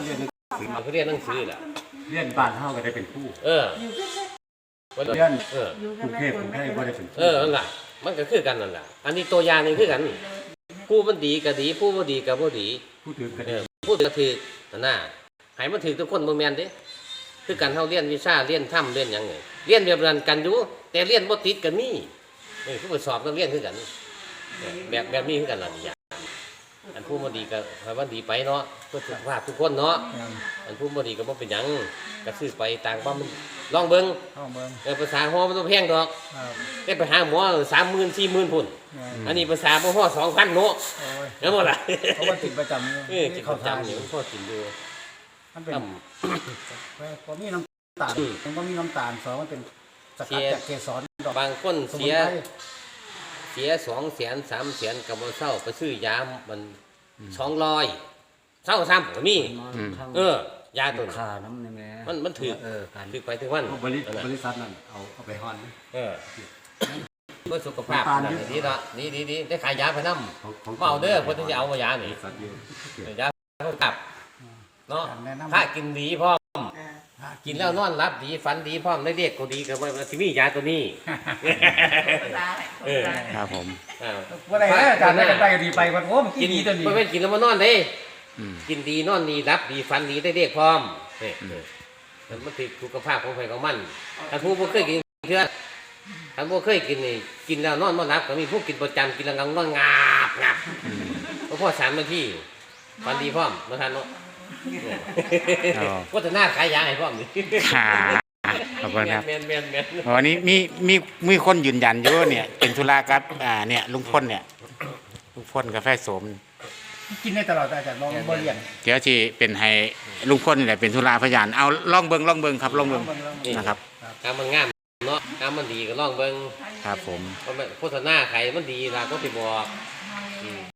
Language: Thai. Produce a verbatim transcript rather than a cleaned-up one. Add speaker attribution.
Speaker 1: เรียนหนังสือ
Speaker 2: มันก็เรียนหนังสือแหละ
Speaker 1: เรียนบ้านเฮาก็ได้เป็นผู้
Speaker 2: เออ
Speaker 1: เรียน
Speaker 2: เออก
Speaker 1: รุงเทพกรุงเทพก็ได้เป็นผู้
Speaker 2: เออนั่นแหละมันก็คือกันนั่นแหละอันนี้ตัวอย่างนี่คือกันผู้มันดีก็ดีผู้บ่ดีก็บ่ดี
Speaker 1: ผู้ถือกัน
Speaker 2: เออผู้ถือก็ถือนั่นน่ะให้มันถือทุกคนบ่แม่นเด้คือกันเฮาเรียนวิชาเรียนธรรมเรียนหยังไงเรียนแบบนั้นกันอยู่แต่เรียนบ่ติดก็มีนี่คือไปสอบนักเรียนคือกันแบบแบบนี้คือกันล่ะนี่อย่างอันผู้บ่ดีก็ให้มันดีไปเนาะเพื่อสุขภาพทุกคนเนาะอันผู้บ่ดีก็บ่เป็นหยังก็ซื้อไปต่างว่ามันลองเบิ่ง
Speaker 3: ห้องเบิ่ง
Speaker 2: เออภาษาฮอมันต้องแพงดอก
Speaker 3: ครับ
Speaker 2: ได้ไปหาหมอสามหมื่นสี่หมื่นพุ่นอันนี้ภาษาบ่ฮอสองพันเนาะ
Speaker 3: โอ้ย
Speaker 2: แล้วบ่ล่ะ
Speaker 3: เพราะว่าติดประจำ
Speaker 2: เออกินประจำอยู่มันพอกินอยู่
Speaker 3: มันเป็น
Speaker 2: ตั้ม
Speaker 3: พอมีน้ำตาลมันก็มีน้ำตาลสองมันเป็นสกัดจากเกสรดอก
Speaker 2: บางคน
Speaker 3: สมุ
Speaker 2: เสี
Speaker 3: น
Speaker 2: ย
Speaker 3: ไพร
Speaker 2: เสียสองแสนสามแสนกับบ่เศร้าไปซื้อยามันสองร้อยเศร้าซ้ำก็มีเออยาตัวนี้
Speaker 4: ขาน้ำในแม่
Speaker 2: มันมันถือ
Speaker 4: เออการ
Speaker 2: ถือไปถึงวัน
Speaker 1: บริบริษัทนั่นเอาเอาไปฮอน
Speaker 2: เออเพื่อสุขภาพ
Speaker 1: น้ำตาล
Speaker 2: นั่นดีเนาะดีดีดีได้ขายยาไปนำ
Speaker 1: ของของ
Speaker 2: เมาเด้อเพิ่นถึงจะเอามายา
Speaker 1: บ
Speaker 2: นี่
Speaker 1: ริษัทอยู่
Speaker 2: ยาเพิ่นกลับเนาะ
Speaker 3: การแนะนำ
Speaker 2: ถ้ากินดีพร้อมกินแล้วนอนหลับดีฝันดีพร้อมได้เรียกก็ดีก็ว่าสิมียาตัวนี้เออ
Speaker 4: ครับผม
Speaker 2: อ้าว
Speaker 3: ว่าอะไรนะอาจารย์ได้กันไปดีไปวันโอ้มัน
Speaker 2: กิ
Speaker 3: กิ
Speaker 2: น
Speaker 3: นดีตัวนี้
Speaker 2: บ่แม่นกินแล้วมานอนเด้
Speaker 4: อืม
Speaker 2: กินดีนอนดีรับดีฝันดีได้เรียกพร้อมนี่มันมันติดสุขภาพของใครของมันถ้าผู้บ่เคยกินเชื่อถ้าบ่เคยกินนี่กินแล้วนอนบ่หลับก็มีผู้กินประจำกินแล้วงังนอนงาบงับเพราะพ่อสามนาทีฝันดีพร้อมบ่ทันเนาะ
Speaker 4: อ๋อ
Speaker 2: โฆษณาขายยาให้พร้อมนี่
Speaker 4: ค่ะขอบคุณครับ
Speaker 2: แม่นแม่นแม่น
Speaker 4: วันนี้มีมีมีคนยืนยันอยู่ว่าเนี่ยเป็นธุระกับอ่าเนี่ยลุงพลเนี่ยลุงพลกาแฟโสม
Speaker 3: กินได้ตลอดอาจารย์ลองบ่เรียน
Speaker 4: เดี๋ยวที่เป็นให้ลุงพลนี่แหละเป็นธุระพยานเอาลองเบิงลองเบิงครับลองเบิงนะครับ
Speaker 2: กามมันงามเนาะกามมันดีก็ลองเบิ่ง
Speaker 4: ครับผม
Speaker 2: เพราะมันโฆษณาใครมันดีล่ะก็สิบอกอืม